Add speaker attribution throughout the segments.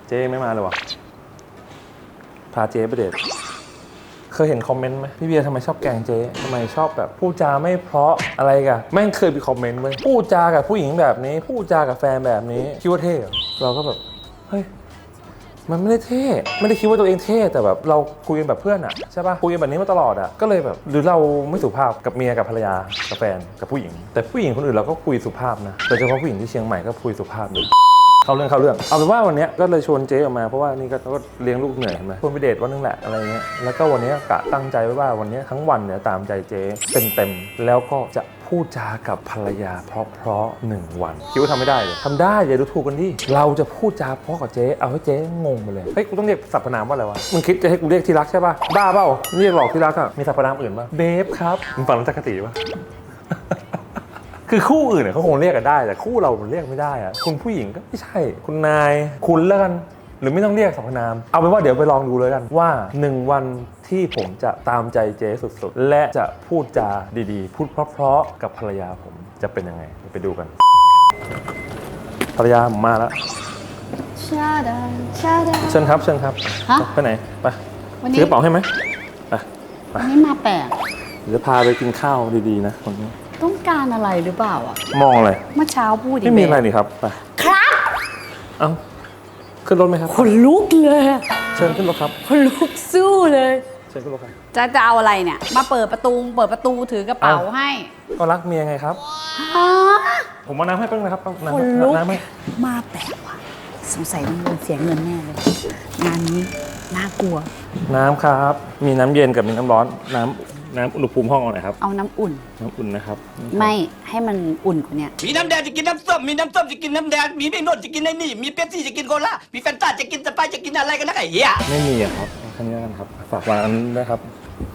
Speaker 1: เจ๊ไม่มาเลยวะพาเจ๊ไปเดทเคยเห็นคอมเมนต์ไหมพี่เบียร์ทำไมชอบแกล้งเจ๊ทำไมชอบแบบพูดจาไม่เพราะอะไรกันแม่งเคยมีคอมเมนต์ไว้พูดจากับผู้หญิงแบบนี้พูดจากับแฟนแบบนี้คิดว่าเท่เราก็แบบเฮ้ยมันไม่ได้เท่ไม่ได้คิดว่าตัวเองเท่แต่แบบเราคุยกันแบบเพื่อนอะใช่ป่ะคุยกันแบบนี้มาตลอดอะก็เลยแบบหรือเราไม่สุภาพกับเมียกับภรรยากับแฟนกับผู้หญิงแต่ผู้หญิงคนอื่นเราก็คุยสุภาพนะโดยเฉพาะผู้หญิงที่เชียงใหม่ก็คุยสุภาพเลยเข้าเรื่องเอาเป็นว่าวันนี้ก็เลยชวนเจ๊ออกมาเพราะว่านี่ก็เลี้ยงลูกเหนื่อยใช่ไหมชวนไปเดทวันนึงแหละอะไรเงี้ยแล้วก็วันนี้กะตั้งใจไว้ว่าวันนี้ทั้งวันเนี่ยตามใจเจ๊เต็มแล้วก็จะพูดจากับภรรยาเพราะ1 วันคิดว่าทำไม่ได้เลยทำได้อย่าดูถูกกันดิเราจะพูดจาเพราะกับเจ๊เอาให้เจ๊งงไปเลยเฮ้ยกูต้องเรียกสรรพนามว่าอะไรวะมึงคิดจะให้กูเรียกที่รักใช่ป่ะบ้าเปล่าเรียกหลอกที่รักอะมีสรรพนามอื่นป่ะเบฟครับมึงฟังแล้วจักรตีป่ะ คือคู่อื่นเนี่ยเขาคงเรียกกันได้แต่คู่เรามันเรียกไม่ได้อะคุณผู้หญิงก็ไม่ใช่คุณนายคุณแล้วกันหรือไม่ต้องเรียกสรรพนามเอาเป็นว่าเดี๋ยวไปลองดูเลยกันว่า1 วันที่ผมจะตามใจเจ๊สุดๆและจะพูดจาดีๆพูดเพราะๆกับภรรยาผมจะเป็นยังไงไปดูกันภรรยาผมมาแล้วเชิญครับไปไหนไปซื้อกระเป๋าให้ไหมไป
Speaker 2: วันนี้มาแปลก
Speaker 1: เดี๋ยวพาไปกินข้าวดีๆนะคนนี้
Speaker 2: ต้องการอะไรหรือเปล่าอ่ะ
Speaker 1: มองอะไร
Speaker 2: เมื่อเช้าพูด
Speaker 1: ไม่มีอะไรนี่ครับไป
Speaker 2: ครับ
Speaker 1: เอ้าขึ้นรถไหมครับ
Speaker 2: คนลุกเลย
Speaker 1: เชิญขึ้นรถครับ
Speaker 2: คนลุกสู้เลย
Speaker 1: เชิญขึ้นรถครับ
Speaker 2: จะเอาอะไรเนี่ยมาเปิดประตูถือกระเป๋าให้
Speaker 1: ก็รักเมียไงครับผมมาน้ำให้เพิ่งนะครับน้ำให้
Speaker 2: มาแปลกว่ะสงสัยต้องเสียเงินแน่เลยงานนี้น่ากลัว
Speaker 1: น้ำครับมีน้ำเย็นกับมีน้ำร้อนน้ำอุณหภูมิห้องเอาไหนครับ
Speaker 2: เอาน้ำอุ่น
Speaker 1: นะครับ
Speaker 2: ไม่ให้มันอุ่นกว่านี้
Speaker 3: มีน้ำแดงจะกินน้ำส้มมีน้ำส้มจะกินน้ำแดงมีไม่นวดจะกินไอ้นี่มีเป๊ปซี่จะกินโคลามีแฟนตาจะกินสไปร์จะกินอะไรกันนะไอ้เหี้ย
Speaker 1: ไม่มีครับแค่นี้กันครับฝากวางอันนี้ด้วยครับ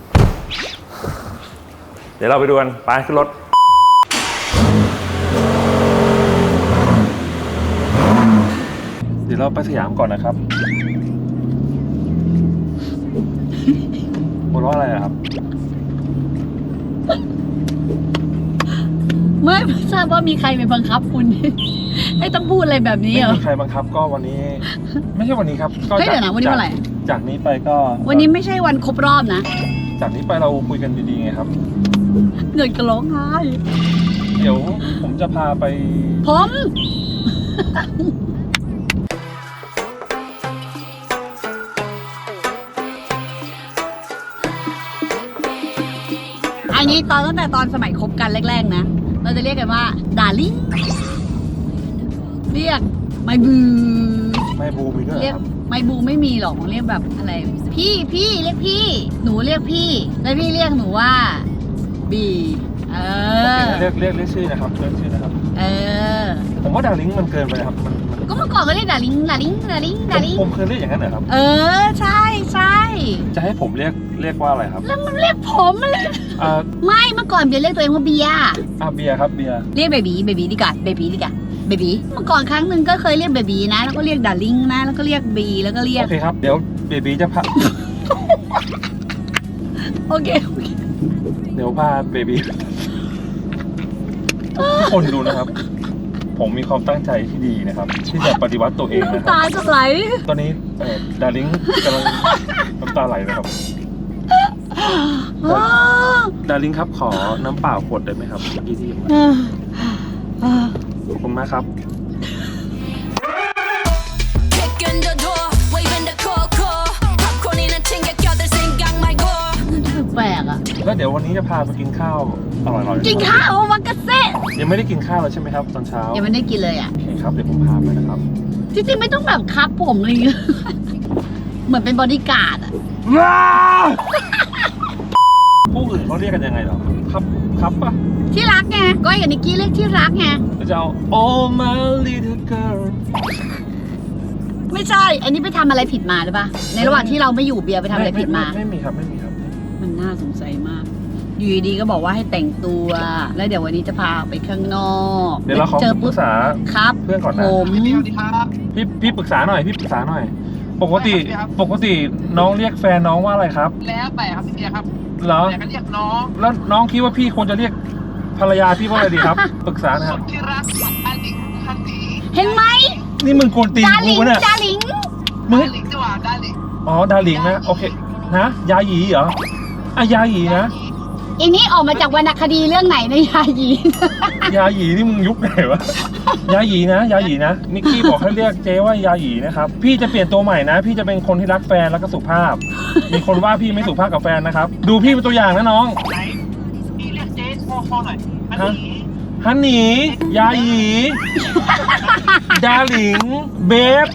Speaker 1: เดี๋ยวเราไปดูกันไปขึ้นรถเดี๋ยวเราไปสยามก่อนนะครับหัวเราะอะไรครับ
Speaker 2: ไม่ทราบว่ามีใครไปบังคับคุณให้ต้องพูดอะไรแบบนี้เหรอ
Speaker 1: ไม่มีใครบังคับก็วันนี้ไม่ใช่วันนี้ครับ
Speaker 2: ก็เดี๋ยวนะวันนี้เมื่อไหร่
Speaker 1: จากนี้ไปก็
Speaker 2: วันนี้ไม่ใช่วันครบรอบนะ
Speaker 1: จากนี้ไปเราคุยกันดีๆไงครับ
Speaker 2: เงินก็ร้องไห้
Speaker 1: เดี๋ยวผมจะพาไป
Speaker 2: ผมอันนี้ตั้งแต่ตอนสมัยคบกันแรกๆนะเราจะเรียกกันว่าดาริ่งเรียกไมบู
Speaker 1: มีด้วย
Speaker 2: เรียกไมบูไม่มีหรอกเรียกแบบอะไรพี่เรียกพี่หนูเรียกพี่แล้วพี่เรียกหนูว่าบี
Speaker 1: เรียกชื่อนะครับเรียกชื่อนะครับผมว่าดาริ่งมันเกินไปครับมัน
Speaker 2: ก็เมื่อก่อนก็เรียกดาริ่ง
Speaker 1: ผมเคยเรียกอย่างนั้นเหรอครับ
Speaker 2: ใช่
Speaker 1: จะให้ผมเรียกว่าอะไรครับ
Speaker 2: แล้วมันเรียกผมเลยไม่เมื่อก่อนเบียร์เรียกตัวเองว่าเบียร์
Speaker 1: เบียร์ครับเบียร์
Speaker 2: เรียกเบบีดีกว่าเบบีเมื่อก่อนครั้งหนึ่งก็เคยเรียกเบบีนะแล้วก็เรียกดาริ่งนะแล้วก็เรียกบีแล้วก็เรียก
Speaker 1: โอเคครับเดี๋ยวเบบีจะพา
Speaker 2: โอเค
Speaker 1: เดี๋ยวพาเบบีทุกคนดูนะครับผมมีความตั้งใจที่ดีนะครับที่จะปฏิวัติตัวเองนะครับ
Speaker 2: ตาจะไหล
Speaker 1: ตอนนี้ดาริ่งกำลังน้ำตาไหลนะครับดาริ่งครับขอน้ำเปล่าขวดได้ไหมครับยี่สิบขอบคุณมากครับ
Speaker 2: แปลกอ่ะ
Speaker 1: แล้วเดี๋ยววันนี้จะพาไปกินข้าวอร่อยๆ
Speaker 2: กินข้าวมังกรเซ่
Speaker 1: ยังไม่ได้กินข้าวเลยใช่ไหมครับตอนเช้า
Speaker 2: ยังไม่ได้กินเลยอ่ะ
Speaker 1: โอเคครับเดี๋ยวผมพาไปนะครับ
Speaker 2: จริงๆไม่ต้องแบบคับผมเลยเหมือนเป็นบอดี้การ์ดอ่ะ
Speaker 1: ผู้อื่นเขาเรียกกันยังไงหรอครับปะ
Speaker 2: ที่รักไงก้อยกับนิกกี้เรียกที่รักไง
Speaker 1: จะเอา Oh my little girl
Speaker 2: ไม่ใช่อันนี้ไปทำอะไรผิดมาหรือปะในระหว่างที่เราไม่อยู่เบียร์ไปทำอะไรผิดมา
Speaker 1: ไม่มีครับ
Speaker 2: มันน่าสงสัยมากอยู่ดีๆก็บอกว่าให้แต่งตัวแล้วเดี๋ยววันนี้จะพาไปข้างนอก
Speaker 1: เดี๋ยวเราขอปรึกษา
Speaker 2: ครับ
Speaker 1: เพื่อนก่อนนะพี่ปรึกษาหน่อยปกติน้องเรียกแฟนน้องว่าอะไรครับ
Speaker 3: แล้วแต่ครับพี่เบียร์ครับ
Speaker 1: เหรอ
Speaker 3: แต่ก็เรียกน้อง
Speaker 1: แล้วน้องคิดว่าพี่ควรจะเรียกภรรยาพี่ว่าอะไรดีครับปรึกษานะครับ
Speaker 3: ที่รักอันนี้
Speaker 2: เห็นไหม
Speaker 1: นี่มึงโกนตีนกูเนี่ย
Speaker 2: ดาริ่ง
Speaker 1: มึง
Speaker 4: ลิงจังหวะได้ลิง
Speaker 1: อ๋อดาลิงนะโอเคนะยาหยีเหรออ่ะยาหยีนะ
Speaker 2: อันนี้ออกมาจากวรรณคดีเรื่องไหนในยาหยี
Speaker 1: ยาหยีนี่มึงยุคไหนวะ ยาหยีนะยาหยีนะนิกกี้บอกให้เรียกเจ๊ว่ายาหยีนะครับพี่จะเปลี่ยนตัวใหม่นะ พี่จะเป็นคนที่รักแฟนแล้วก็สุภาพ มีคนว่าพี่ไม่สุภาพกับแฟนนะครับดูพี่เป็นตัวอย่างนะน้อง
Speaker 4: ไหนพี่เรียกเจ๊คอหน่อยอัน
Speaker 1: ฮะ
Speaker 4: นี้
Speaker 1: ฮันนี่ยาหยีดาลิงเบฟ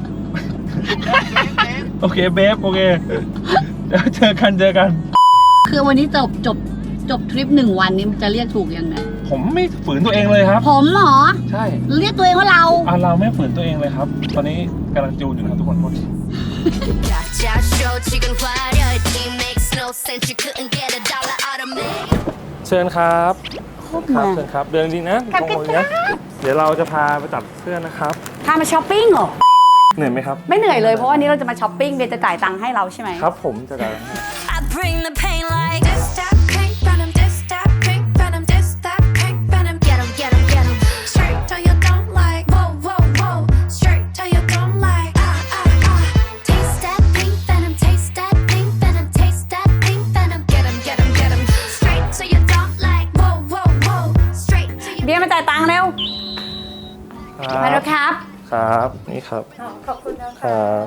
Speaker 1: โอเคเบฟโอเคเดี๋ยวเจอกัน
Speaker 2: คือวันนี้จบทริป1 วันนี้มันจะเรียกถูกยังไง
Speaker 1: ผมไม่ฝืนตัวเองเลยครับ
Speaker 2: ผมเหรอ
Speaker 1: ใช่
Speaker 2: เรียกตัวเองว่าเรา
Speaker 1: เราไม่ฝืนตัวเองเลยครับ ตอนนี้กำลังจูนอยู่นะครับทุกคน
Speaker 5: Gotcha, show 지금 화려해 It makes no sense You couldn't get a dollar out of me
Speaker 1: เชิญครับ
Speaker 2: ครบ
Speaker 1: ค
Speaker 2: มา
Speaker 1: รับเชิญครับเดินดีนะ
Speaker 2: ครับ
Speaker 1: ตรงนี้นะเดี๋ยวเราจะพาไปตัดเสื้อนะครับ
Speaker 2: พามาช้อปปิ้งเหรอ
Speaker 1: เหนื่อยไหมครับ
Speaker 2: ไม่เหนื่อยเลยเพราะวันนี้เราจะมาช้อปปิ้งเบียร์จะจ่ายตังค์ให้เราใช่ไหม
Speaker 1: ครับผมจะได้
Speaker 5: I bring the pain like This that pink venom This that pink venom This that pink venom Get 'em, get 'em, get 'em Straight till you don't like Whoa, whoa, whoa Straight till you don't like Taste that pink venom Taste that pink venom Taste that pink venom Get 'em, get 'em, get 'em Straight till you don't like Whoa, whoa, whoa Straight till you
Speaker 2: เบียร์มาจ่ายตังค์เร็วมาแล้วครับ
Speaker 1: ครับนี่ครับ
Speaker 2: ขอบคุณนะ
Speaker 1: ครั
Speaker 2: คะ
Speaker 1: บ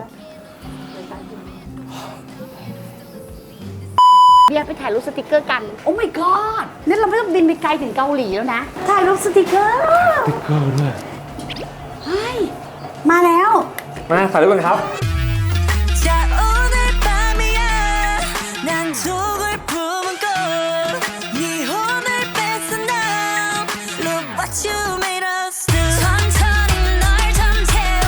Speaker 2: เบียร์ไปถ่ายรูปสติกเกอร์กัน โอ้ my god นี่เราไม่ต้องบินไปไกลถึงเกาหลีแล้วนะ ถ่ายรูปสติกเกอร์
Speaker 1: สติ๊กเกอร์ด้วย
Speaker 2: เฮ้ย มาแล้ว
Speaker 1: มาถ่ายรูปกันครับ
Speaker 5: 자 오늘 밤이야 난 속을 품은 꽃 네 혼을 뺏어 now Look what you made us do 천천히 널 잠재울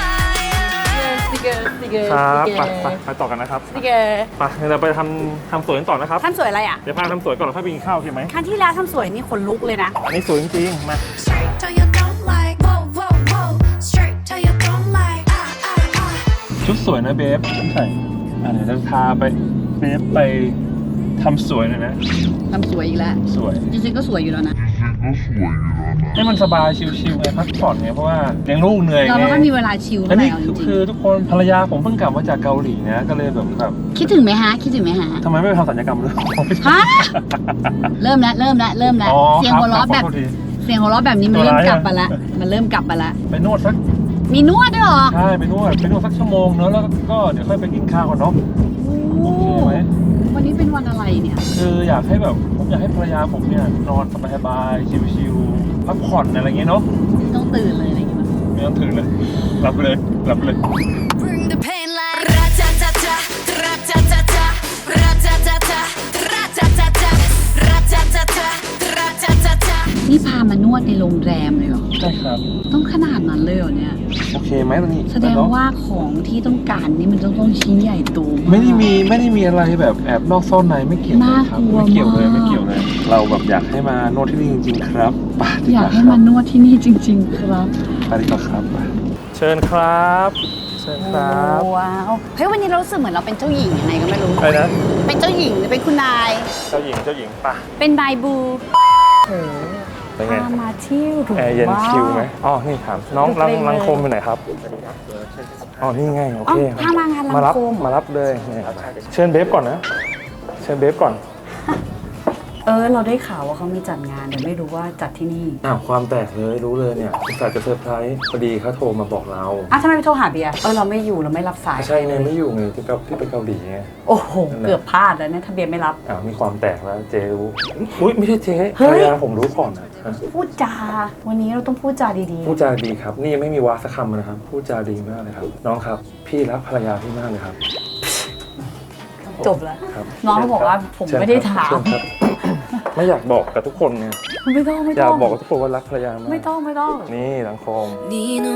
Speaker 5: fire
Speaker 2: สติกเกอร์ สติกเกอร์
Speaker 1: ครับไปต่อกันนะครับ
Speaker 2: สติกเกอร์
Speaker 1: ไปเดี๋ยวเราไปทำสวยกันต่อนะครับ
Speaker 2: ทำสวยอะไรอ่ะ
Speaker 1: เดี๋ยวพาทำสวยก่อนแล้วค่อยไปกินข้าวโอเคไหม
Speaker 2: ครั้งที่แล้วทำสวยนี่ขนลุกเลยนะ
Speaker 1: อันนี้สวยจริงๆมา
Speaker 5: Straight till you don't like Whoa, whoa, whoa Straight till you don't like
Speaker 1: ชุดสวยนะเบฟใช่เดี๋ยวจะพาไปเบฟไปทำสวยหน่อยนะ
Speaker 2: ทำสวยอีกแล้ว
Speaker 1: สวย
Speaker 2: จริงๆก็สวยอยู่แล้วนะ
Speaker 1: ให้มันสบายชิลๆไงพักผ่อนไงเพราะว่าเลี้ยงลูกเหนื่อย
Speaker 2: เรา
Speaker 1: ไง
Speaker 2: ไม่ค่อยมีเวลาชิล
Speaker 1: อั
Speaker 2: เท่าน ไหร่
Speaker 1: นี้
Speaker 2: เอาจริง
Speaker 1: คือทุกคนภรรยาผมเพิ่งกลับมาจากเกาหลีนะก็เลยแบบ
Speaker 2: ๆคิดถึงไหมฮะ คิดถึงไหมฮะ
Speaker 1: ทำไมไม่ไปทำศัลยกรรมเลย
Speaker 2: ฮะ เริ่มแล้ว
Speaker 1: อ๋อ
Speaker 2: เสียงหัวเราะแบบ
Speaker 1: ขอโทษที
Speaker 2: เสียงหัวเราะแบบนี้มัน
Speaker 1: ตัว
Speaker 2: เริ่ม
Speaker 1: ร้าย
Speaker 2: กลับ
Speaker 1: อะ
Speaker 2: มาละ มันเริ่มกลับมาละ
Speaker 1: ไปนวดสัก
Speaker 2: มีนวดด้วยเหรอ
Speaker 1: ใช่ไปนวดสักชั่วโมงเนอะแล้วก็เดี๋ยวค่อยไปกินข้าวกันเนาะ โอเคไหม
Speaker 2: วันนี้เป็นวันอะไรเนี่ย
Speaker 1: คืออยากให้แบบผมอยากให้ภรรยาผมเนี่ยนอนสบายๆชิลๆพักผ่อนอะไรอย่างเงี้ยเนาะ
Speaker 2: ไม่ต้องตื่นเลยอะไรอย่างเงี้ย
Speaker 1: ไม่ต้องถึงเลยหลับไปเลยหลับไปเลย
Speaker 5: Bring the pain like Ra-ta-ta-ta Ra-ta-ta-ta Ra-ta-ta-ta Ra-ta-ta-ta Ra-ta-ta-ta Ra-ta-ta-ta
Speaker 2: นี่พามานวดในโรงแรมเลยเหรอ
Speaker 1: ใช่ครับ
Speaker 2: ต้องขนาดนั้นเลยเหรอเนี่ย
Speaker 1: โอเคไหมตอนนี้
Speaker 2: แสดงว่าของที่ต้องการนี่มันต้องชิ้นใหญ่โตาก
Speaker 1: ไม่ได้มีอะไรแบบแอบนอกซ่อนในไม่เกี่ยวเลยครับ
Speaker 2: น่ากลัว
Speaker 1: ไม่เกี่ยวเลย
Speaker 2: มาก
Speaker 1: ไม่เกี่ยวเลย เราแบบอยากให้มานวดที่นี่จริงๆครับไปดี
Speaker 2: อยาก
Speaker 1: ว่
Speaker 2: ให้
Speaker 1: ครับ
Speaker 2: มานวดที่นี่จริง ๆ ครับ
Speaker 1: ไปดีกว่าครับไปเชิญครับเชิญครับ
Speaker 2: ว้าว เฮ้ยวันนี้เรารู้สึกเหมือนเราเป็นเจ้าหญิงยังไงก็ไม่รู้
Speaker 1: ไปนะ
Speaker 2: เป็นเจ้าหญิงหรือเป็นคุณนาย
Speaker 1: เจ้าหญิงไป
Speaker 2: เป็นนายบู
Speaker 1: เป็นไง
Speaker 2: พามาเที่ยวถูก
Speaker 1: แอร์เย็น
Speaker 2: ว่า
Speaker 1: ชิลไหมอ๋อนี่ถามน้อง
Speaker 2: ดูเพลง
Speaker 1: รัง
Speaker 2: เลย
Speaker 1: โคมอยู่ไหนครับอ๋อนี่ไงโอเค
Speaker 2: อ๋อพามางานรัง
Speaker 1: มารับ
Speaker 2: โคม
Speaker 1: มารับเลยนี่เชิญเบฟก่อนนะเชิญเบฟก่อน
Speaker 2: เราได้ข่าวว่าเขามีจัดงานแต่ไม่รู้ว่าจัดที่นี่
Speaker 1: ความแตกเลยรู้เลยเนี่ยอุตส่าห์จะเซอร์ไพรส์พอดีเขาโทรมาบอกเรา
Speaker 2: ทำไมไปโทรหาเบียร์เราไม่อยู่เราไม่รับสาย
Speaker 1: ใช่ไงไม่อยู่ไงที่ไปเกาหลีไง
Speaker 2: โอ้โห เกือบพลาดแล้วเนี่ยถ้าเบียร์ไม่รับ
Speaker 1: มีความแตกแล้วเจรู้อุ้ยไม่ใช่เจ๊
Speaker 2: เฮ้
Speaker 1: ภร
Speaker 2: ย
Speaker 1: รยาผมรู้ก่อนนะ
Speaker 2: พูดจา วันนี้เราต้องพูดจาดี
Speaker 1: พูดจาดีครับ นี่ยังไม่มีวาสักคำนะครับพูดจาดีมากเลยครับน้องครับพี่รักภรรยาพี่มากเลยครับ
Speaker 2: ๆ จบแล้ว
Speaker 1: ครับ
Speaker 2: น้องเขาบอกว่าผมไม่ได้ถาม
Speaker 1: เชิญครับไม่อยากบอกกับทุกคนไง
Speaker 2: ไม่ต้อง
Speaker 1: อยากบอกกับทุกคนว่ารักภรรยามาก
Speaker 2: ไม่ต้อง
Speaker 1: นี่หลังโคม
Speaker 5: 네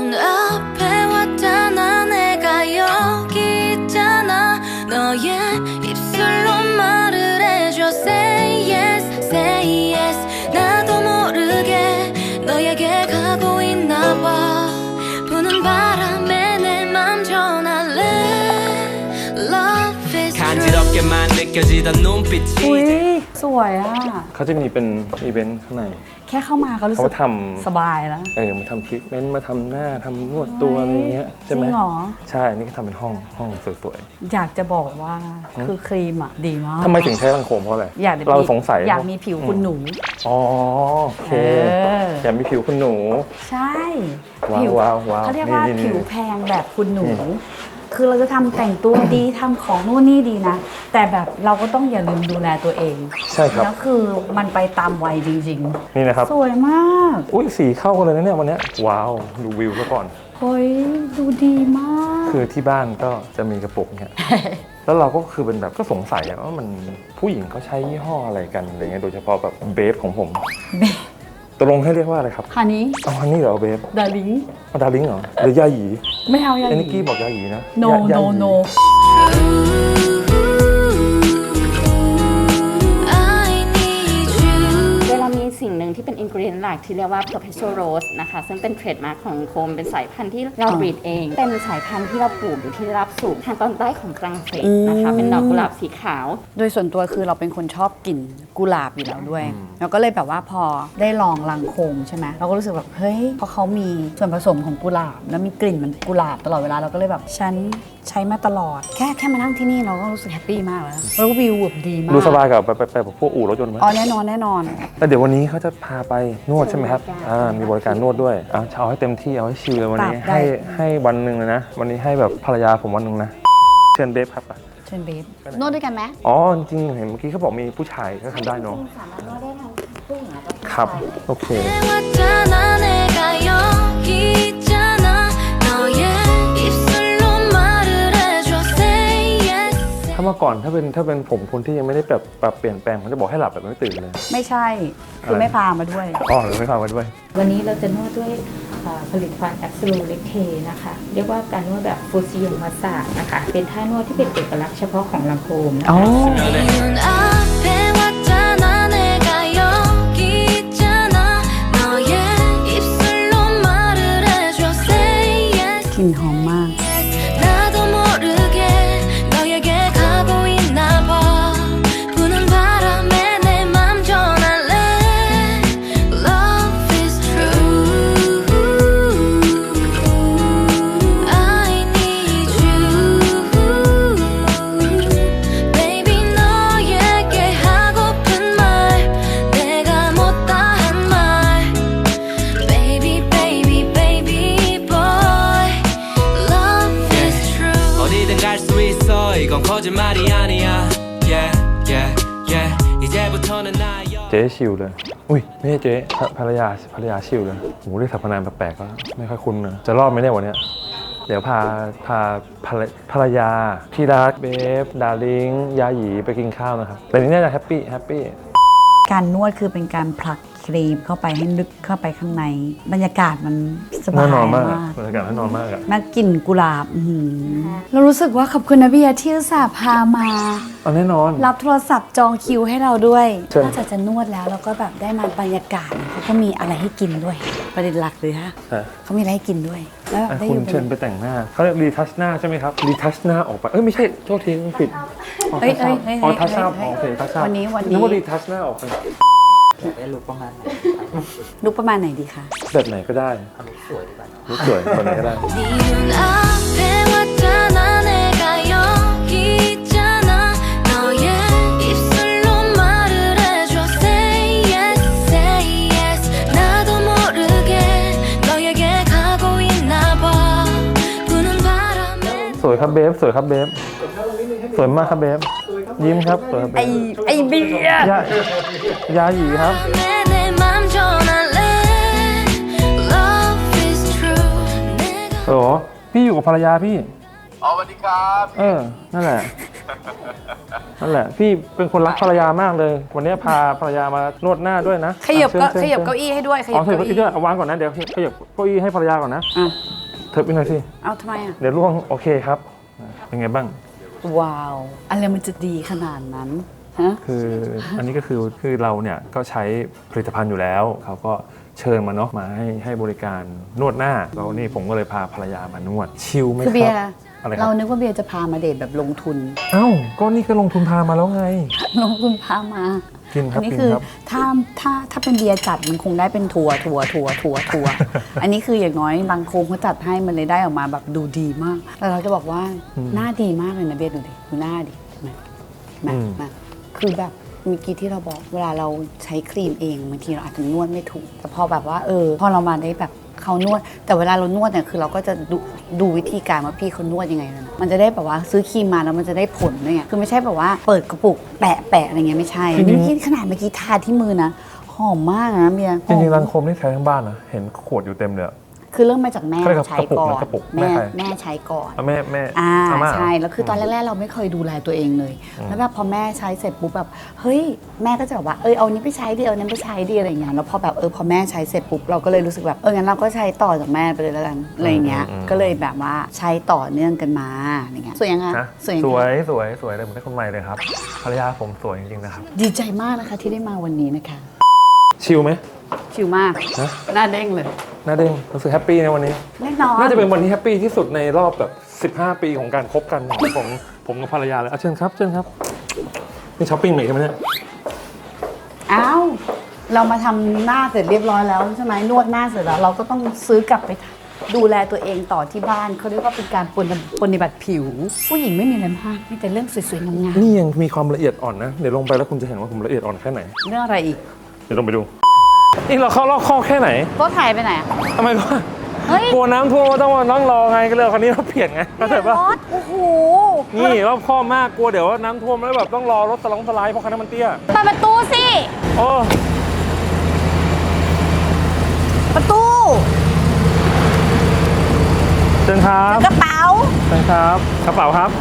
Speaker 5: 눈앞에 왔잖아 내가 여기 있잖아 너의 입술로 말을 해줘 Say yes say yes 나도 모르게 너에게 가고 있나 봐 부는 바람에 내 맘 전할래 Love is
Speaker 3: 간지럽게만 느껴지던 눈빛이
Speaker 2: อุ้ยสวยอ่ะ
Speaker 1: เขาจะมีเป็นอีเวนต์ข้างใน
Speaker 2: แค่เข้ามาก็รู้สึ
Speaker 1: เขา
Speaker 2: ก
Speaker 1: ทำ
Speaker 2: สบายแล้ว
Speaker 1: มาทำทรีทเมนต์มาทำหน้าทำนวดตัวอะไรเงี้ยใช่ไหม
Speaker 2: จริงเหรอ
Speaker 1: ใช่ นี่ก็ทำเป็นห้องสวย
Speaker 2: อยากจะบอกว่าคือครีมอ่ะดีมาก
Speaker 1: ๆทำไมถึงใช้รังโคมเพราะอะไร
Speaker 2: อยากจะ
Speaker 1: เราสงสัย
Speaker 2: อยากมีผิวคุณหนู
Speaker 1: อ๋อโอเค อยากมีผิวคุณหนู
Speaker 2: ใช่
Speaker 1: ว้าว
Speaker 2: ผิ
Speaker 1: ว้าว
Speaker 2: เขาเรียกว่า
Speaker 1: นี่
Speaker 2: ผิวแพงแบบคุณหนู คือเราจะทำแต่งตัวดีทำของนู่นนี่ดีนะ แต่แบบเราก็ต้องอย่าลืมดูแลตัวเอง
Speaker 1: ใช่ครับ
Speaker 2: แล้วคือมันไปตามวัยจริง
Speaker 1: นี่นะครับ
Speaker 2: ๆ สวยมาก
Speaker 1: อุ้ยสีเข้ากันเลยนะเนี่ยวันเนี้ยว้าว ดูวิวซะก่อน
Speaker 2: เฮ้ยดูดีมาก
Speaker 1: คือที่บ้านก็จะมีกระปุกเนี่ย แล้วเราก็คือเป็นแบบก็สงสัยอะว่ามันผู้หญิงเขาใช้ยี่ห้ออะไรกันอะไรเงี้ย โดยเฉพาะแบบเบฟของผม ตกลงให้เรียกว่าอะไรครับ
Speaker 2: ฮันนี้
Speaker 1: เอาอันนี้เหรอเบฟ
Speaker 2: ดาริง
Speaker 1: เอาดาริงเหรอ หรือยาหยี
Speaker 2: ไม่เอาอย่าง
Speaker 1: ไอ้นิก
Speaker 2: นี้
Speaker 1: กี้บอกยาหยีนะ
Speaker 2: no
Speaker 1: ยา
Speaker 2: no
Speaker 1: หยี
Speaker 2: no
Speaker 5: I need you
Speaker 6: โดยเรามีสิ่งหนึ่งที่เป็นอินกรีเดียนหลักที่เรียกว่า perpetual rose นะคะ ซึ่งเป็นเทรดมาร์คของโคมเป็นสายพันธุ์ที่เราบรีดเอง เป็นสายพันธุ์ที่เราปลูกอยู่ที่ได้รับสูงทางตอนใต้ของฝรั่งเศสนะคะ เป็นดอกกุหลาบสีขาว
Speaker 2: โดยส่วนตัวคือเราเป็นคนชอบกลิ่นกุหลาบอยู่แล้วด้วย เราก็เลยแบบว่าพอได้ลองลังโคมใช่ไหมเราก็รู้สึกแบบเฮ้ยเพราะเขามีส่วนผสมของกุหลาบ แล้วมีกลิ่นเหมันกุหลาบตลอดเวลาเราก็เลยแบบฉันใช้มาตลอด แค่มานั่งที่นี่เราก็รู้สึกแฮปปี้มากแล้วแล้ววิวแบบดีมาก
Speaker 1: ดูสบายกับไปแบบพวกอู่รถยนต์ไหม
Speaker 2: อ๋อแน่นอนแน่นอน
Speaker 1: แล้วเดี๋ยววันนี้เขาจะพาไปนวดใช่ไหมครับมีบริการนวดด้วยเอาให้เต็มที่เอาให้ชิลเลยวันนี้
Speaker 2: ได้
Speaker 1: ให้วันหนึ่งเลยนะ วันนี้ให้แบบภรรยาผมวันหนึ่งนะ เชิญเบฟครับ
Speaker 2: เชิญเบฟนวดด้วยกันไหม
Speaker 1: อ๋อจริงๆเห็นเมื่อกี้เขาบอกมีผู้ชายก็ทำได้เนาะ
Speaker 6: สามารถนวดได้ทั้งผู้หญิงแล้วก็ผู้ชาย
Speaker 1: ครับ โอเค
Speaker 5: 왔잖아 내가 여기 있잖아 너의 입술로 말을 해줘 say yes
Speaker 1: ถ้าเมื่อก่อนถ้าเป็นผมคนที่ยังไม่ได้แบบปรับเปลี่ยนแปลงผมจะบอกให้หลับแบบไม่ตื่นเลย
Speaker 2: ไม่ใช่คือไม่พามาด้วย
Speaker 1: อ๋อหรือไม่พามาด้วย
Speaker 6: วันนี้เราจะนวดด้วยผลิตภัณฑ์ Absolute Lactate นะคะ เรียกว่าการนวดแบบฟูซิโยมัสซาจนะคะ เป็นท่านวดที่เป็นเอกลักษณ์เฉพาะของลังโคมนะคะ
Speaker 5: 눈앞에 왔잖아 내가 여기 있잖아 너의 입술로 말을 해줘 say yes
Speaker 2: กลิ่นหอมมาก
Speaker 5: 나도 모르게 너에게 가고 있나 봐 부는 바람에 내 맘 전할래 Love is true I need you Baby 너에게 하고픈 말 내가 못다 한 말 Baby baby baby boy Love is true
Speaker 3: 어디든 갈 수 있어 이건 거짓말이 아니야 yeah yeah yeah 이제부터는 나의
Speaker 1: เจ๊ชิลเลย อุ้ยไม่ใช่เจ๊ภรรยาชิลเลยโหเรียกสรรพนามแปลกๆก็ไม่ค่อยคุ้นนะจะรอดไหมเนี่ยวันเนี้ยเดี๋ยวพาภรรยาที่รักเบฟดาริงยาหยีไปกินข้าวนะครับแต่นี้น่าจะแฮปปี้
Speaker 2: การนวดคือเป็นการผลักครีมเข้าไปให้ลึกเข้าไปข้างใน บรรยากาศมันสบาย
Speaker 1: น่านอนมาก
Speaker 2: มาก
Speaker 1: บรรยากาศน่านอนมากอะ
Speaker 2: แม่กลิ่นกุหลาบอื้อหือเรารู้สึกว่าขอบคุณนะเบียร์ที่อุตส่าห์พามา
Speaker 1: เอาแน่นอน
Speaker 2: รับโทรศัพท์จองคิวให้เราด้วย
Speaker 1: เชิญ
Speaker 2: นอกจากจะนวดแล้วเราก็แบบได้มาบรรยากาศเขาก็มีอะไรให้กินด้วย ประเด็นหลักเลยฮะ
Speaker 1: ฮะ
Speaker 2: เขามีอะไรให้กินด้วย แล้วแบบได้อ
Speaker 1: คุณ
Speaker 2: ยู่
Speaker 1: เชิญไปแต่งหน้าเขาเรียกรีทัชหน้าใช่ไหมครับรีทัชหน้าออกไปไม่ใช่โทษทีผิด
Speaker 2: เฮ้ยเฮ้ยเฮ้ย
Speaker 1: อ๋อทัชหน้า
Speaker 2: เฮ้ย
Speaker 1: โอเคทัชหน้า
Speaker 2: วันนี้
Speaker 1: นึกว่ารีทัชหน้าออกไป
Speaker 2: ลุกประมาณไหนดีคะ
Speaker 1: แบบไหนก็ได้ลุคสวยแบบไหนก็ได้
Speaker 5: 네 눈앞에 왔잖아 내가 여기 있잖아 너의 입술로 말을 해줘 say yes say yes 나도 모르게 너에게 가고 있나 봐 부는 바람에
Speaker 1: สวยครับเบฟสวยครับเบฟสวยมากครับเบฟยิ้มครับสวยครับเบฟ
Speaker 2: ไอเบียร์
Speaker 1: ยาหยีครับ
Speaker 5: 내 맘 전할래 Love is true 내가
Speaker 1: โอ้โหพี่อยู่กับภรรยาพี่
Speaker 4: อ๋อสวัสดีครับ
Speaker 1: นั่นแหละพี่เป็นคนรักภรรยามากเลย วันนี้พาภรรยามานวดหน้าด้วยนะ
Speaker 2: ขยับ
Speaker 1: ชิญ
Speaker 2: ขยับเก้าอี้ให้ด้วยข
Speaker 1: อ๋
Speaker 2: ยั
Speaker 1: อบ ขยับ
Speaker 2: เก้า
Speaker 1: เก้าอี้
Speaker 2: อี้
Speaker 1: ด้วยเอาวางก่อนนะเดี๋ยวขยับเก้าอี้ให้ภรรยาก่อนนะ
Speaker 2: อ่ะ
Speaker 1: เถิบไปหน่อยสิ
Speaker 2: เอาทำไมอ่ะ
Speaker 1: เดี๋ยวล่วงโอเคครับเป็นไงบ้าง
Speaker 2: ว้าว อะไรมันจะดีขนาดนั้นฮะ
Speaker 1: คืออันนี้ก็คือเราเนี่ยก็ใช้ผลิตภัณฑ์อยู่แล้วเขาก็เชิญมาเนาะมาให้บริการนวดหน้าแล้วนี่ผมก็เลยพาภรรยามานวดชิลไหม
Speaker 2: คือ
Speaker 1: ค
Speaker 2: เบีย
Speaker 1: รับ
Speaker 2: ร์
Speaker 1: อะไรค
Speaker 2: เรา
Speaker 1: รับ
Speaker 2: นึกว่าเบียร์จะพามาเดทแบบลงทุน
Speaker 1: เอ้าก็นี่ก็ลงทุนพามาแล้วไง
Speaker 2: ลงทุนพามา
Speaker 1: กินครับ
Speaker 2: อันี้
Speaker 1: กิน
Speaker 2: คือ
Speaker 1: ครับ
Speaker 2: ถ้าเป็นเบียร์จัดมันคงได้เป็นทัวร์ อันนี้คืออย่างน้อยบางโคงเขาจัดให้มันเลยได้ออกมาแบบดูดีมากแต่เราจะบอกว่าหน้าดีมากเลยนะเบียร์ดูดิดูหน้าดิมาคือแบบเมื่อกี้ที่เราบอกเวลาเราใช้ครีมเองบางทีเราอาจจะนวดไม่ถูกแต่พอแบบว่าพอเรามาได้แบบเขานวดแต่เวลาเรานวดเนี่ยคือเราก็จะดูวิธีการว่าพี่เขานวดยังไงนะมันจะได้แบบว่าซื้อครีมมาแล้วมันจะได้ผลด้วยไงคือไม่ใช่แบบว่าเปิดกระปุกแปะอะไรเงี้ยไม่ใช่เมื่อกี้ขนาดเมื่อกี้ทาที่มือนะหอมมากนะเบียร์
Speaker 1: จริงๆรังโคมนี่ใช้ทั้งบ้านนะเห็นขวดอยู่เต็มเลยอะ
Speaker 2: คือเริ่มมาจากแม่
Speaker 1: ใช่ครับ
Speaker 2: ใช้ก่อน
Speaker 1: กระปุกแม่ใคร
Speaker 2: แม่ใช้ก่อน
Speaker 1: เอาแม่
Speaker 2: อ่า
Speaker 1: อาม่า
Speaker 2: ใช่แล้วคือตอนแรกๆเราไม่เคยดูแลตัวเองเลย แล้วแบบพอแม่ใช้เสร็จปุ๊บแบบเฮ้ยแม่ก็จะแบบว่าเอานี้ไปใช้ดิเอานั้นไปใช้ดิอะไรอย่างเงี้ยแล้วพอแบบพอแม่ใช้เสร็จปุ๊บเราก็เลยรู้สึกแบบงั้นเราก็ใช้ต่อจากแม่ไปเลยแล้วกันอะไรอย่างเงี้ยก็เลยแบบว่าใช้ต่อเนื่องกันมาอะไรเงี้ยสวยยังไง
Speaker 1: นะ
Speaker 2: สวยยัง
Speaker 1: ส
Speaker 2: ไง
Speaker 1: วยเลยเหมือนได้คนใหม่เลยครับภรรยาผมสวยจริงๆนะครับ
Speaker 2: ดีใจมากนะคะที่ได้มาวันนี้นะคะ
Speaker 1: ชิลไหม
Speaker 2: ชิลมาก
Speaker 1: ฮะ
Speaker 2: หน้าเด้งเลย
Speaker 1: น่าเด้งรู้สึกแฮปปี้ในวันนี้
Speaker 2: แน่นอน
Speaker 1: น่าจะเป็นวันที่แฮปปี้ที่สุดในรอบแบบ15 ปีของการคบกันของผมกับภรรยาเลยเชิญครับนี่ช้อปปิ้งใหม่ใช่ไหมเนี่ย
Speaker 2: อ้าวเรามาทำหน้าเสร็จเรียบร้อยแล้วใช่ไหมนวดหน้าเสร็จแล้วเราก็ต้องซื้อกลับไปดูแลตัวเองต่อที่บ้านเขาเรียกว่าเป็นการปฏิบัติผิว ผู้หญิงไม่มีอะไรมากมีแต่เรื่องสวยๆงาม
Speaker 1: นี่ยังมีความละเอียดอ่อนนะเดี๋ยวลงไปแล้วคุณจะเห็นว่าผมละเอียดอ่อนแค่ไหน
Speaker 2: ๆเรื่องอะไรอีก
Speaker 1: เดี๋ยวลงไปดูนี่เราเข้ารอบข้อแค่ไหน
Speaker 2: โต๊ะถ่ายไปไหนอะ
Speaker 1: ทำไมวะ
Speaker 2: เฮ้ย
Speaker 1: กลัวน้ำท่วมก็ต้องมานั่งรอไงก็เลยเอาคันนี้มาเปลี่ยนไงเข้าใจปะ
Speaker 2: รถโอ้โห
Speaker 1: นี่รอบข้อมากกลัวเดี๋ยวน้ำท่วมแล้วแบบต้องรอรถสไลด์เพราะคันนั้นมันเตี้ย
Speaker 2: เปิดประตูสิ
Speaker 1: โอ้
Speaker 2: ประตู
Speaker 1: เชิญครับ
Speaker 2: กระเป๋า
Speaker 1: เชิญครับกระเป๋าครับ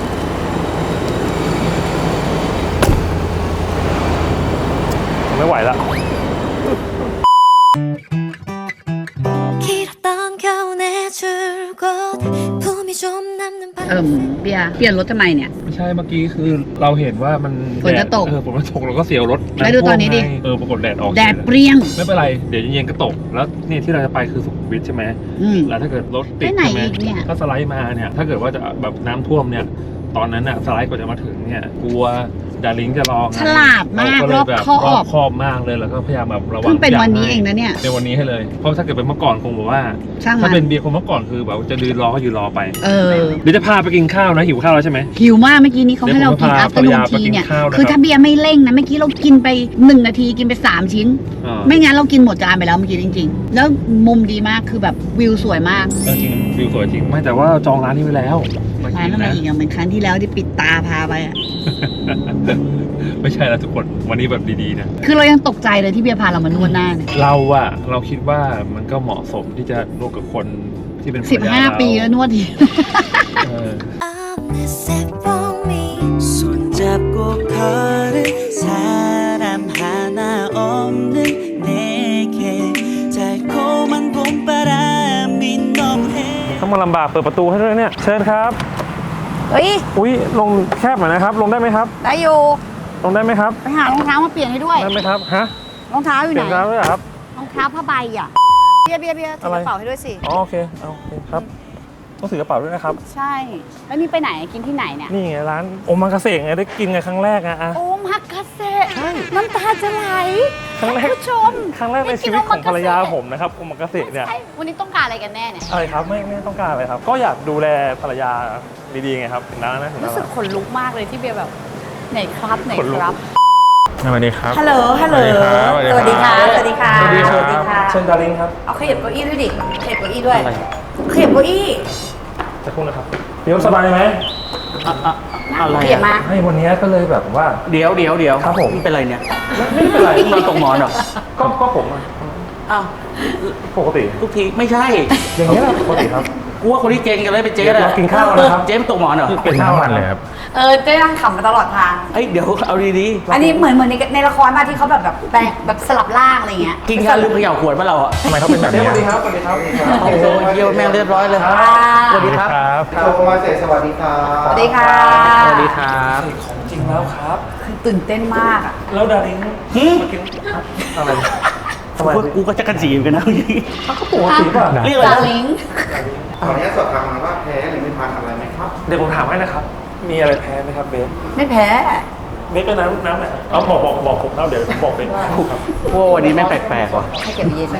Speaker 1: ไม่ไหวแล้ว
Speaker 5: 길었던 겨우내 줄곧 품이 좀 남는 밤
Speaker 2: เบียร์เปลี่ยนรถทำไมเนี่ย
Speaker 1: ไม่ใช่เมื่อกี้คือเราเห็นว่ามัน
Speaker 2: ฝนจะตก
Speaker 1: ฝนจะตกเราก็เสียวรถ
Speaker 2: ไปดูตอนนี้ดิ
Speaker 1: ปรากฏแดดออก
Speaker 2: แดดเปรี้ยง
Speaker 1: ไม่เป็นไรเดี๋ยวเย็นๆก็ตกแล้วนี่ที่เราจะไปคือสุขุมวิทใช่ไหม แล้วถ้าเกิดรถติด
Speaker 2: ไปไหน
Speaker 1: ใช่ไหม
Speaker 2: อีกเนี่ย
Speaker 1: ก็สไลด์มาเนี่ยถ้าเกิดว่าจะแบบน้ำท่วมเนี่ยตอนนั้นน่ะสไลด์กว่าจะมาถึงเนี่ยกลัวดาริงจะรอไง
Speaker 2: ฉลาดมาก
Speaker 1: เก็เลยแบบ
Speaker 2: รอบคอบ
Speaker 1: รอบคอบมากเลยแล้วก็พยายามแบบระวัง
Speaker 2: เพิ่งเป็นวันนี้
Speaker 1: ย่า
Speaker 2: เองนะเนี่ย
Speaker 1: เป็นวันนี้ให้เลยเพราะถ้าเกิดเป็นเมื่อก่อนคงบอกว่า
Speaker 2: ช่างมัน
Speaker 1: ถ้าเป็นเบียร์คนเมื่อก่อนคือแบบจะยืนรอก็ยืนรอไป
Speaker 2: เออ
Speaker 1: เดี๋ยวจะพาไปกินข้าวนะหิวข้าวแล้วใช่ไหม
Speaker 2: หิวมากเมื่อกี้นี้เขาให้เรากิน
Speaker 1: เดี๋ยวผม
Speaker 2: อั
Speaker 1: พา
Speaker 2: พเตอร์นูน
Speaker 1: ภรรยาไป
Speaker 2: ที
Speaker 1: กิน
Speaker 2: เนี่ย
Speaker 1: ข้าวนะครับ
Speaker 2: คือถ้าเบียร์ไม่เร่งนะเมื่อกี้เรากินไป1 นาทีกินไป3 ชิ้น
Speaker 1: อ่า
Speaker 2: ไม่งั้นเรากินหมดจานไปแล้วเมื่อกี้จริงๆ แล้วมุมดีมากคือแบบวิวสวยมาก
Speaker 1: จริงวิวสวยจริงไม่แต่ว่าจองร้านนี้ไว้แล้วมา
Speaker 2: ร้า
Speaker 1: กิ
Speaker 2: น
Speaker 1: น
Speaker 2: อะไร
Speaker 1: นะ
Speaker 2: อีกอย่างเหมือนครั้งที่แล้วที่ปิดตาพาไปอ่ะ
Speaker 1: ไม่ใช่แล้วทุกคนวันนี้แบบดีๆนะ
Speaker 2: คือเรายังตกใจเลยที่เบียร์พาเรามานวดหน้าเนี่ย
Speaker 1: เราคิดว่ามันก็เหมาะสมที่จะนวดกับคนที่เป็นภรรยาเรา
Speaker 2: 15 ปีแล้วนวดที
Speaker 1: เออ
Speaker 5: 어느새 봄이
Speaker 3: 손잡고 걸은 사람 하나 없는 내게 달콤한 봄바람이 너무해
Speaker 1: ต้องมาลำบากเปิดประตูให้ด้วยเนี่ยเชิญครับ
Speaker 2: เฮ้ย
Speaker 1: อุ้ยลงแคบหน่อยนะครับ ลงได้ไหมครับ
Speaker 2: ได้อยู่
Speaker 1: ลงได้ไหมครับ
Speaker 2: ไปหารองเท้ามาเปลี่ยนให้ด้วย
Speaker 1: ได้ไหมครับฮะ
Speaker 2: รองเท้าอยู่
Speaker 1: เป
Speaker 2: ไหน
Speaker 1: ลี่ยนร้านด้วยเหรอครับ
Speaker 2: รองเท้าผ้าใบอ่ะเบียร์ถือก
Speaker 1: อะไร
Speaker 2: ระเป๋าให้ด้วยสิ
Speaker 1: อ๋อโอเคเอาโอเคครับต้องถือกระเป๋าด้วยนะครับ
Speaker 2: ใช่ แล้วนี่ไปไหนกินที่ไหนเนี่ย
Speaker 1: นี่ไงร้านโอมากาเสะไงได้กินไงครั้งแรกอะ
Speaker 2: โอมากาเซน้ำตาจะไหล
Speaker 1: ครั้งแรก
Speaker 2: คุณผู้ชม
Speaker 1: ครั้งแรกในชีวิตของภรรยาผมนะครับโอมากาเสะเนี่ย
Speaker 2: ใช่วันนี้ต้องการอะไรกันแน่เนี่ย
Speaker 1: อะไรครับไม่ต้องการอะไรครับ ก็อยากดูแลภรรยาดีๆไงครับถึงนั้นนะถึงนั้
Speaker 2: รู้
Speaker 1: น
Speaker 2: สึกขนลุกมากเลยที่เบียร์แบบไหนครับไหน
Speaker 1: ขนลุก
Speaker 2: ครับ
Speaker 1: สวัสดีครับ
Speaker 2: ฮัลโหล ฮัลโหล
Speaker 1: สวัสดีครับ
Speaker 2: สวัสดีค่ะ
Speaker 1: สวัสดีค
Speaker 2: ส
Speaker 1: รับ
Speaker 2: วัสดีค่ะ
Speaker 1: เชิญดาริงครับ
Speaker 2: เอาขยับเก้าอี้ด้วยดิ ขยับเก้าอี้ด้วย ขยับเก้าอี้
Speaker 1: จะพูดนะครับเดี๋ยวสบายไหม
Speaker 7: อะไร
Speaker 2: ขยับมา
Speaker 1: ให้วันนี้ก็เลยแบบว่า
Speaker 7: เดี๋ยว
Speaker 1: ครับผม
Speaker 7: นี่เป็นไรเนี่ย
Speaker 1: ไม่ได้เป็นไร
Speaker 7: นอนตกหมอนเหรอ
Speaker 1: ก็ผมอะ
Speaker 7: อ้าว
Speaker 1: ปกติ
Speaker 7: ทุกทีไม่ใช่
Speaker 1: อย่างนี้ยแหละปกติครับ
Speaker 7: กูว่าคนที่เก่งกันเลยเป็นเจ๊
Speaker 1: เดี๋ยว
Speaker 7: แหละ
Speaker 1: เรากินข้าวกันนะครับ
Speaker 7: เจ๊ไม่ตกหมอนเหรอ
Speaker 1: เป็นทั้งวันเลยครับ
Speaker 2: เจ๊นั่งขำมาตลอดทาง
Speaker 7: เอ้ยเดี๋ยวเอาดี
Speaker 2: อันนี้เหมือนในละครมาที่เขาแบบแปลงแบบสลับร่างอะไรเงี้ย
Speaker 7: ๆกินข้าวลืมเขย่าขวดมาเราอ่ะ
Speaker 1: ทำไมเขาเป็นแบบนี้สวัสดีครับสวัสดีครับ
Speaker 7: โอ้โหเยี่ยมแม่งเรียบร้อยเลยสวัสดีครับ
Speaker 8: โทรมาเสร็จสวัสดีครับ
Speaker 2: สวัสดีค่ะ
Speaker 7: สวัสดีครับ
Speaker 1: ของจริงแล้วครับ
Speaker 2: คือตื่นเต้นมากอ่ะ
Speaker 1: แล้วดาริงมากินอะไรทำไม
Speaker 7: กูก็จะกระจีเหมือนกันนะ
Speaker 1: เขาปกติป่ะ
Speaker 7: เรียกอะไร
Speaker 2: ดา
Speaker 7: นะ
Speaker 2: ลิง
Speaker 8: ขออนุญาตสอบถามหน่อยว่าแพ้หรือไม่ทานอะไรไหมครับ
Speaker 1: เดี๋ยวผมถามให้นะครับ มีอะไรแพ้ไหมครับเบส
Speaker 2: ไม่แพ้
Speaker 1: เบสก็น้ำไหนเอาบอกผมเล่าเดี๋ยวผมบอกเบสครับ
Speaker 7: พวกวันนี้ไม่งแปลกๆว่ะ
Speaker 2: ให้เก็บเย็น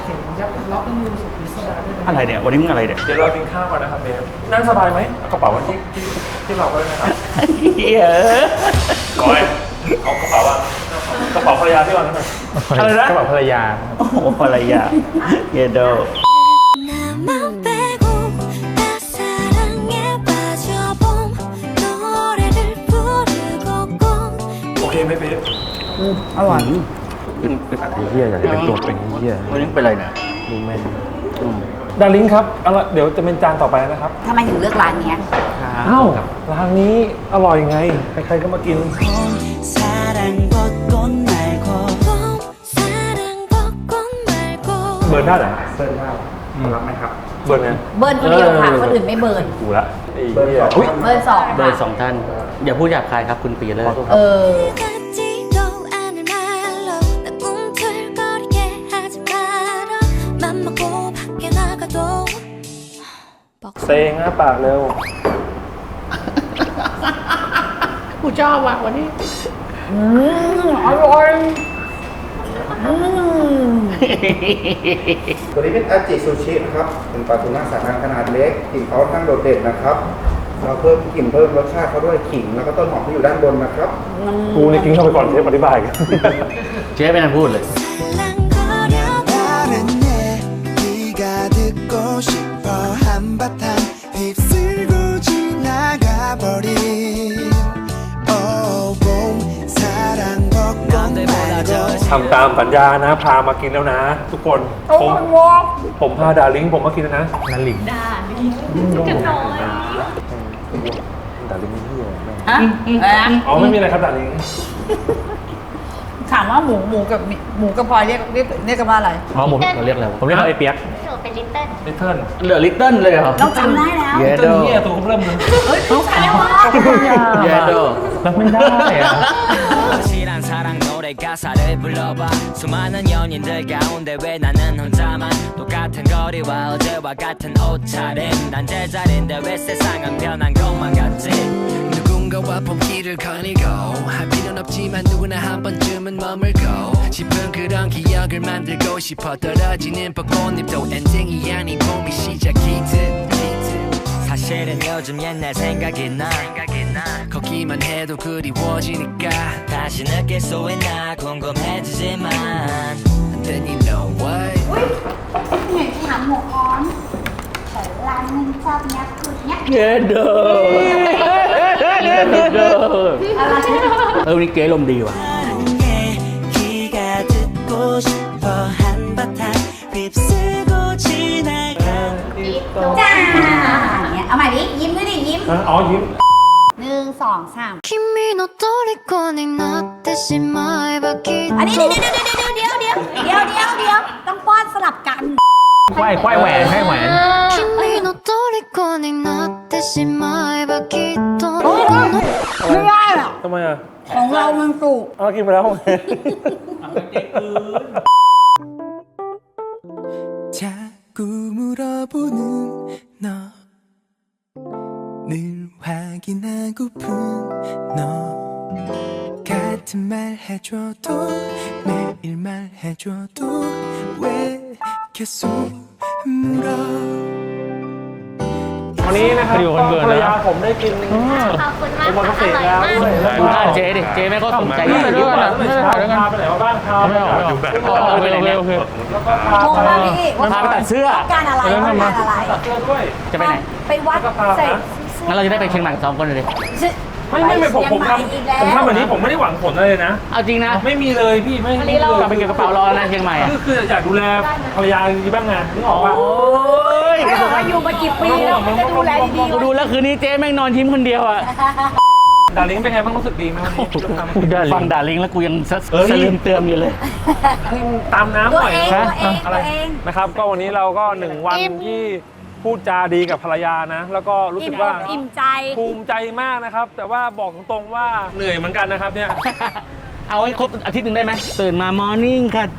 Speaker 7: อะไรเนี่ย วันนี้มึงอะไรเนี่ย
Speaker 1: เดี๋ยวเรากินข้าวก่อนนะครับเบสนั่งสบายไหมเอากระเป๋าไว้ที่เราก็ได้นะครับ
Speaker 7: เหี้ย
Speaker 1: ก้อยเอากระเป๋าวางกระเป๋าภรรยาที่วางนั่นหน่อยอะไรนะกระเป๋าภรรยา
Speaker 7: โอ้โหอะไรอ่ะเยโด
Speaker 5: 나만 빼고 다 사랑에 빠져봄 노래를 부르고 꼭
Speaker 1: โอเคไหมเบส
Speaker 2: อร่อย
Speaker 1: เฮียอยากจะเป็นตัวเป็นเฮีย
Speaker 7: วันนี้เป็นอะไรเนี่ย
Speaker 1: ดูแม่นดาริงครับเอาละเดี๋ยวจะเป็นจานต่อไปนะครับ
Speaker 2: ทำไมถึงเลือกร้านเนี้ย
Speaker 1: อ้าวร้านนี้อร่อยไงใครๆก็มากิน
Speaker 3: 사랑 벚꽃 말고
Speaker 5: 봄 사랑 벚꽃 말고
Speaker 1: เบิร์นได้เหรอเบิร์นได้รับไหมครับเบิร์นไง
Speaker 2: เบิร์นคนเดียวค่ะคนอื่นไม่เบิร์น
Speaker 1: กูละเบิร์นสองอุ้ย
Speaker 2: เบิร์นสอง
Speaker 7: เบอร์สองท่าน อย่าพูดหยาบคายครับคุณปีเลิศ
Speaker 2: เออ
Speaker 5: 같지도 않을 말로 나 꿈틀거리게 하지 마라 맘 먹고 밖에 나가도
Speaker 1: เซงนะปากเร็ว
Speaker 7: กูชอบว่ะวันนี้
Speaker 2: อร่อย
Speaker 8: ตัวนี้เป็นอาจิซูชินะครับ เป็นปลาทูน่าสายพันธุ์ขนาดเล็กกลิ่นเขาค่อนข้างโดดเด่นนะครับ เราเพิ่มกลิ่นเพิ่มรสชาติเขาด้วยขิงแล้วก็ต้นหอมที่อยู่ด้านบนนะครับ
Speaker 1: กูนี่กินเข้าไปก่อนเชฟอธิบายกัน
Speaker 7: เจ๊ไม่ทันพูดเลย
Speaker 5: 살랑거려
Speaker 3: 다른 얘기가 듣고 싶어 한바탕 휩쓸고 지나가 버린 Oh boom 사랑 벚꽃 말고
Speaker 1: ทำตามสัญญานะ พามากินแล้วนะ ทุกคนผมพาดาริงผมมากินแล้วนะดาริงดาริงกันน้อยดาริงนี่เหี้ยแม่ง
Speaker 2: ฮะ
Speaker 1: อ๋อไม่มีอะไรครับดาริง
Speaker 2: ถามว่าหมูกับพลอยเรียกกันว่าอะไร
Speaker 7: อ๋อผมเรียกอะไรวะผมเรียกเขาไอ้เปียก
Speaker 1: ลิเทิล
Speaker 7: เหลือลิตเติ้ลเลยเหรอ
Speaker 2: น้องจำได้แล้ว
Speaker 7: เย
Speaker 1: ลิ
Speaker 7: โด
Speaker 1: เทิลเหี้ยตัวเขาเริ่มเลย
Speaker 2: เฮ้ยรู้ใครวะ
Speaker 7: เยโด
Speaker 1: รับไม่ได้อะ
Speaker 9: 확실한 사랑 노래 가사를 불러봐 수많은 연인들 가운데 왜 나는 혼자만 똑같은 거리와 어제와 같은 옷차림 난 제자리인데 왜 세상은 변한 것만 같지 누군가와 봄길을 거니고 할 필요는 없지만 누구나 한 번쯤은 머물고 싶은 그런 기억을 만들고 싶어 떨어지는 벚꽃잎도 엔딩이 아닌 봄이 시작이듯 사실은 요즘 옛날 생각이 나 걷기만 해도 그리워지니까 다시 느낄 수 있나 궁금해지지만 Then you know what
Speaker 5: เห็นถามหมูอ้อนแต่ร้านนึงชอบเนี้ยคือเนี้ย
Speaker 7: เยโดเยโดวันนี้เก๋ลมณ์ดีว่ะ
Speaker 3: 사랑 얘기가 듣고 싶어 한바탕 휩쓸고 지나가
Speaker 2: จ้าอย่างเงี้ยเอาใหม่ดิยิ้มด้วยดิยิ้ม
Speaker 1: อ๋อยิ้ม
Speaker 2: 1 2 3
Speaker 5: 君の虜になってしまえばきっ
Speaker 2: อันนี้เดี๋ยวต้องป้อนสลับกัน
Speaker 7: ควายแหวนให้แหวน
Speaker 5: 君の虜になってしまえばきっと
Speaker 2: ไม่ได้หรอก
Speaker 1: ทำไมอ่ะ
Speaker 2: ของเรามันสุก
Speaker 1: เอากินไปแล้ว
Speaker 3: 자꾸 물어보는 너 늘 확인하고픈 너 같은 말 해줘도 매일 말해줘도 왜 계속 물어
Speaker 1: วันนี้นะครับก็ภรรยาผมได้กิน
Speaker 5: ขอบคุณมาก
Speaker 1: โอมา
Speaker 5: ค่ะ
Speaker 1: เกษ
Speaker 5: อ
Speaker 1: ตร
Speaker 5: ร่อย
Speaker 1: แล้ว
Speaker 5: มาก
Speaker 1: ด้วย
Speaker 7: ดูหน้าเจ๊ดิ เจ๊ไม่ก็สนใจ
Speaker 1: ไม่
Speaker 7: ไม่
Speaker 1: รู้
Speaker 7: รู้
Speaker 1: ว่า
Speaker 7: นะ
Speaker 1: ไม่ใช่พาไปไหนมาบ้างพาไปดูแบบแล้วก็พา
Speaker 2: โทร
Speaker 1: ไป
Speaker 2: มาพี่ว่า
Speaker 7: พาไปตัดเสื้อ
Speaker 2: ต้องการอะไรต้องการอะไร
Speaker 1: เสื้อด้วย
Speaker 7: จะไปไหน
Speaker 2: ไปวัดใส่
Speaker 7: งั้นเราจะได้ไปเชียงใหม่2 คนเลยดิ
Speaker 1: ไม่ผมทำแบบนี้ผมไม่ได้หวังผลอะไรเลยนะ
Speaker 7: เอาจริงนะ
Speaker 1: ไม่มีเลยพี่ไม่มีเลย
Speaker 7: กลับไปเก็บกระเป๋ารอนะเชียงใหม่อะ
Speaker 1: คืออยากดูแลภรรยาดีบ้างไงนึกออกป่ะ
Speaker 7: โอ้ย
Speaker 2: ไม่บอกว่าอยู่มากี่ปีแล้วมันจะดูแลดี
Speaker 7: กูดูแล้วคืนนี้เจ๊แม่งนอนยิ้มคนเดียวอ่ะ
Speaker 1: ดาริงเป็นไงบ้างรู้สึกดีไหมวันนี้
Speaker 7: ฟังด่าลิงแล้วกูยังสลืมเติมอยู่เลย
Speaker 1: ตามน้ำ
Speaker 2: ตัว
Speaker 1: หน่อย
Speaker 2: เอง
Speaker 1: นะ
Speaker 2: ตัวเอง
Speaker 1: นะครับ ก็วันนี้เราก็1 วันที่พูดจาดีกับภรรยานะ แล้วก็รู้สึกว่า
Speaker 2: อิ่มใจ
Speaker 1: ภูมิใจมากนะครับ แต่ว่าบอกตรงๆว่าเหนื่อยเหมือนกันนะครับเนี่ย
Speaker 7: เอาให้ครบอาทิตย์หนึ่งได้ไหมตื่นมามอร์นิ่งค่ะ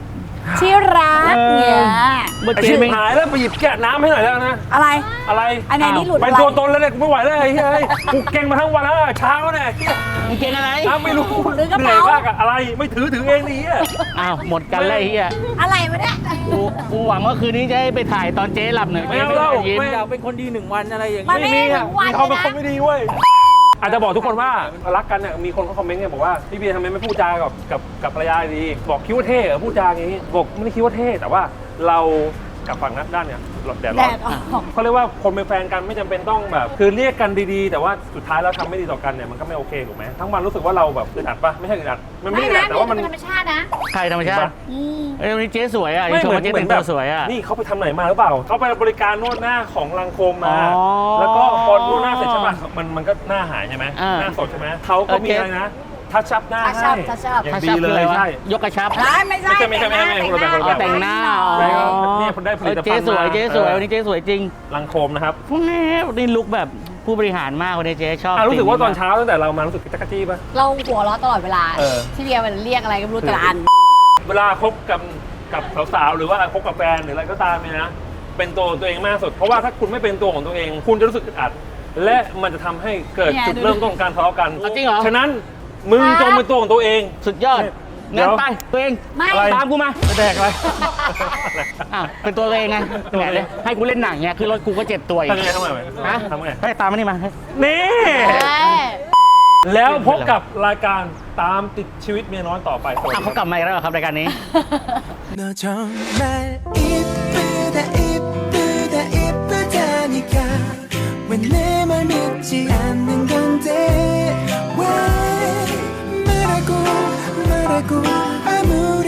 Speaker 2: ที่รักเนี่ย
Speaker 7: เมื่อ
Speaker 1: ไอ้
Speaker 7: กี้
Speaker 1: ชิบ
Speaker 7: ไม่
Speaker 1: หายแล้วไปหยิบแกะน้ำให้หน่อยแล้วนะ
Speaker 2: อะไร
Speaker 1: อะไร
Speaker 2: อันไหนนี่หลุด
Speaker 1: เป็น
Speaker 2: อะไร
Speaker 1: ตัวตนแล้วเนี่ยกูไม่ไหวแล้วไอ้เฮ้ยกูเก่งมาทั้งวันแล้วเช้าเนี่ย
Speaker 7: มึงเก่งอะไร
Speaker 1: น้ำไม่รู้
Speaker 2: ถือกระ
Speaker 1: เหนื่
Speaker 2: เป๋า
Speaker 1: อยมากอะอะไรไม่ถือเองนี่อะ
Speaker 7: อ้าวหมดกันเลยไอ้เฮีย
Speaker 2: อะไรวะเนี่ย
Speaker 7: กูหวังว่าคืนนี้จะให้ไปถ่ายตอนเจ๊หลับหนึ่ง
Speaker 1: ไม่เอาเล่า
Speaker 7: ยิ้ม
Speaker 1: ไม่
Speaker 10: อยากเป็นคนดี1 วันอะไรอย่าง
Speaker 2: มัน
Speaker 10: นี้
Speaker 2: ไม่
Speaker 1: มี
Speaker 2: ได้
Speaker 1: อะ
Speaker 2: ทั้งวัน
Speaker 1: มีเขาเป็น
Speaker 2: นะ
Speaker 1: คนไม่ดีเว้ยอาจจะบอกทุกคนว่ารักกันเนี่ยมีคนเขาคอมเมนต์ไงบอกว่าพี่เบียร์ทำไมไม่พูดจากับภรรยาดีบอกคิดว่าเท่เหรอพูดจาอย่างนี้บอกไม่ได้คิดว่าเท่แต่ว่าเรากับฝั่งนั้นด้านเนี่ยแดด
Speaker 2: แด
Speaker 1: ร้อน
Speaker 2: ดออก
Speaker 1: เขาเรียกว่าคนเป็นแฟนกันไม่จำเป็นต้องแบบ คือเรียกกันดีๆ แต่ว่าสุดท้ายแล้วทำไม่ดีต่อกันเนี่ยมันก็ไม่โอเคถูกไหมทั้งวันรู้สึกว่าเราแบบอึดอัดปะไม่ใช่อึดอัดมันไม่
Speaker 2: ไม่
Speaker 1: อึดอั
Speaker 2: นะ
Speaker 1: ดแต่ว่ามัน
Speaker 2: เป็นธรรมชาตินะ
Speaker 7: ใครธรรมชาติเอ้ยวันนี้เจ๊สวยอ่ะ
Speaker 1: ไม่
Speaker 7: ช
Speaker 1: เห
Speaker 7: ม
Speaker 1: มือน
Speaker 7: ว่าเจ๊
Speaker 1: เหมื
Speaker 7: แต่
Speaker 1: อง นแบ
Speaker 7: ตั
Speaker 1: บ
Speaker 7: วสวยอ่ะ
Speaker 1: นี่เขาไปทำไหนมาหรือเปล่าเขาไปบริการนวดหน้าของลังโคมมา
Speaker 7: อ๋อ
Speaker 1: แล้วก็พอนวดหน้าเสร็จใช่ปะมันก็หน้าหายใช่ไหม
Speaker 7: อ่า
Speaker 1: หน้าสดใช่ไหมเขาก็มีอะไรนะทัชชับหน้า
Speaker 2: ทัชชับ
Speaker 1: ให้
Speaker 2: ทัชชับ
Speaker 1: อย่าง
Speaker 7: ถ้า
Speaker 1: ดี
Speaker 7: ชอบ
Speaker 1: เล
Speaker 7: คืออะไร
Speaker 1: ยว
Speaker 7: ะ
Speaker 1: ใช่
Speaker 7: ยกกระชับ
Speaker 2: ไม่ใช่
Speaker 1: ไม่คนละแบบ
Speaker 7: อ๋อแต่งหน้าอ๋อ
Speaker 1: แล้วก็เนี่ยคนได้ผลิตภัณฑ์
Speaker 7: เจ๊สวย
Speaker 1: มา
Speaker 7: เจ๊สวยวันนี้เจ๊สวยจริง
Speaker 1: ลังโคมนะครับ
Speaker 7: แหมนี่ลุกแบบผู้บริหารมากวันนี้เจ๊ชอบ
Speaker 1: รู้สึกว่าตอนเช้าตั้งแต่เรามารู้สึกจักรจี้ปะ
Speaker 2: เราหัวเราะตลอดเวลา
Speaker 1: เออ
Speaker 2: ที่เบียร์มันเรียกอะไรก็ไม่รู้แต่ละอัน
Speaker 1: เวลาคบกับสาวๆหรือว่าคบกับแฟนหรืออะไรก็ตามเนี่ยนะเป็นตัวเองมากสุดเพราะว่าถ้าคุณไม่เป็นตัวของตัวเอง คุณจะรู้สึกอึดอัด และมันจะทำให้เกิด
Speaker 2: เนี่ย
Speaker 1: จุด
Speaker 2: ดู
Speaker 1: เริ่มต้นของการทะเลาะกัน
Speaker 7: จริงเหรอ
Speaker 1: ฉะนั้นมึงจงเป็นตัวของตัวเอง
Speaker 7: สุดยอด
Speaker 1: เดี๋
Speaker 7: งั้
Speaker 1: ย
Speaker 7: น
Speaker 1: ว
Speaker 7: ไปตัวเอง
Speaker 2: ไม่
Speaker 1: อะไร
Speaker 7: ตามกูมา
Speaker 1: ไม่แดกอะไร
Speaker 7: อ่ะเป็นตัวเองไงแหมเลยให้กูเล่นหนังเนี่ยคือรถกูก็เจ็บตัวอีก
Speaker 1: ทำไงทำไง
Speaker 7: ฮะ
Speaker 1: ทำไง
Speaker 7: ให้ตามมานี่มา
Speaker 1: นี่
Speaker 2: เอ้ย
Speaker 1: แล้วพบกับรายการตามติดชีวิตเมียน้อยต่อไปสวัสดี
Speaker 7: อ่ะ
Speaker 1: ค
Speaker 7: เขา
Speaker 1: รับ
Speaker 7: กลับมาอีกแล้วเหรอครับรายการนี้
Speaker 3: 너 정말 이쁘다 이쁘다 이쁘다니까 왜 내 말 믿지 않는 건데 왜 말하고 아무